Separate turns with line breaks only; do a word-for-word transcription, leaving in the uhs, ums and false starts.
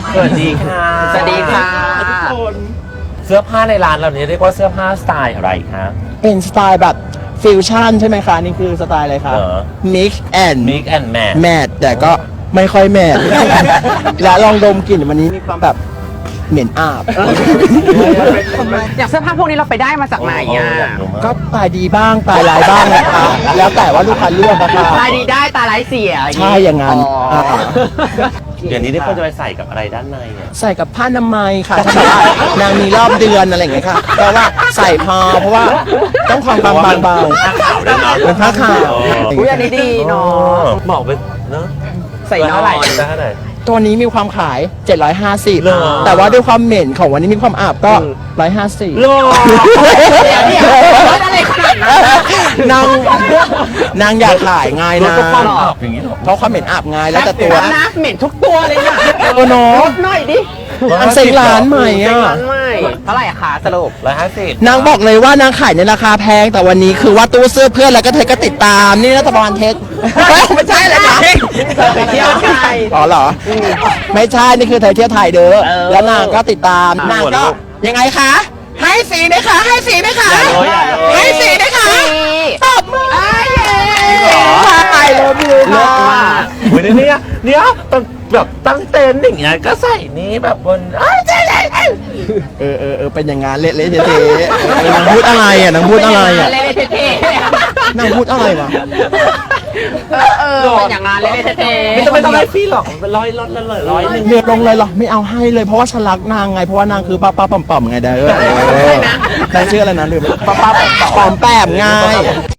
สวัสดีค่ะ
สวัสดีค่ะ
ทุกคนเสื้อผ้าในร้านเรานี้เรียกว่าเสื้อผ้าสไตล์อะไรคะ
เป็นสไตล์แบบฟิวชั่นใช่ไหมคะนี่คือสไตล์อะไรคะ
เหรอ
Mix and
Mix and Match
แมทแต่ก็ไม่ค่อยแมท และลองดมกลิ่นวันนี้มีความแบบเหม็นอาบ
อย่างเสื้อผ้าพวกนี้เราไปได้มาจากไหนอ่ะ
ก็ตายดีบ้างตายร้ายบ้างนะคะ แล้วแต่ว่าลูกค้าเลือกนะคะ
ตายดีได้ตาร้ายเสีย
ใช่อย่างนั้น
อ๋อ
เดี๋ยวนี้นี่คนจะไปใส่กับอะไรด้านในอ่ะ
ใส่กับผ้าอนามัยค่ะถ้าแบบว่านางมีรอบเดือนอะไรอย่างเงี้ยค่ะเพราะว่าใส่พอเพราะว่าต้องความบางบางเบา
ผ้าขาวด้วยเนาะ
เป็นผ้าขาว
อุ้ยอันนี้ดีเนาะ
เหมาะเป็นเนาะ
ใส่น้อย
ได้เท่าไหร่
ตัวนี้มีความขาย เจ็ดร้อยห้าสิบ
เหรอ
แต่ว่าด้วยความเหม็นของวันนี้มีความอาบก็ หนึ่งร้อยห้าสิบ
โล
เดี๋ยวเดี๋ยวลดอะไรขนาดนั้นนะ
นางนางอยากขายง่าย
รถ
นะ
ก็ความอับอย่างนี้หรอ
เพราะความเหม็นอาบง่ายแล้วแต่ตัว
นะเหม็นทุกตัวเลยเนี่ย
โอ้โห
ลดหน่อยดิ
อันเซ็งร้านใหม่
เซ็ง
อ่ะ
ร้านใหม่เท่าไหร่อะคะสรุป
ร้อยห้าสิบ
นางบอกเลยว่านางขายในราคาแพงแต่วันนี้คือว่าตู้เสื้อเพื่อนแล้วก็เธอก็ติดตามนี่น่าจะประมาณเทสไม่ใช่เลยนะ
ไปเที่ยวไทย
อ๋อเหรอไม่ใช่นี่คือไทยเที่ยวไทยเด้อแล้วนางก็ติดตามนางก็ยังไงคะให้ฟรีไหมคะให้ฟรีไหมคะให้ฟรีไหมคะตบมือถ่ายเลยพี่
เลิ
ค่ะ
ศมากเฮ้ยเนี่ยเนี่ยต้องแบบตั้งเต็นท์อย่างเงี้ยก็ใส่นี้แบบบนอ้าวใช่ใช่ใช่
เออเออเออเป็นอย่างงั้นเละเละเทะเทะเออนางพูดอะไรอ่ะนางพูดอะไรอ่ะ
เละๆเทะ
นางพูดอะไรวะ
ๆเออเออเป็นอย่างนั้นเละๆเทะๆ
ไม่ต้องไม่ต้องให้ฟรีหรอกเป็นร้อยลดละเลยร้อยหนึ่ง
เรียนลงเลยเหรอไม่เอาให้เลยเพราะว่าฉันรักนางไงเพราะว่านางคือป้าป้าป่อมป่อมไงเด้อเออนางชื่ออะไรนะลืมป้าป้าป่อมแปมไง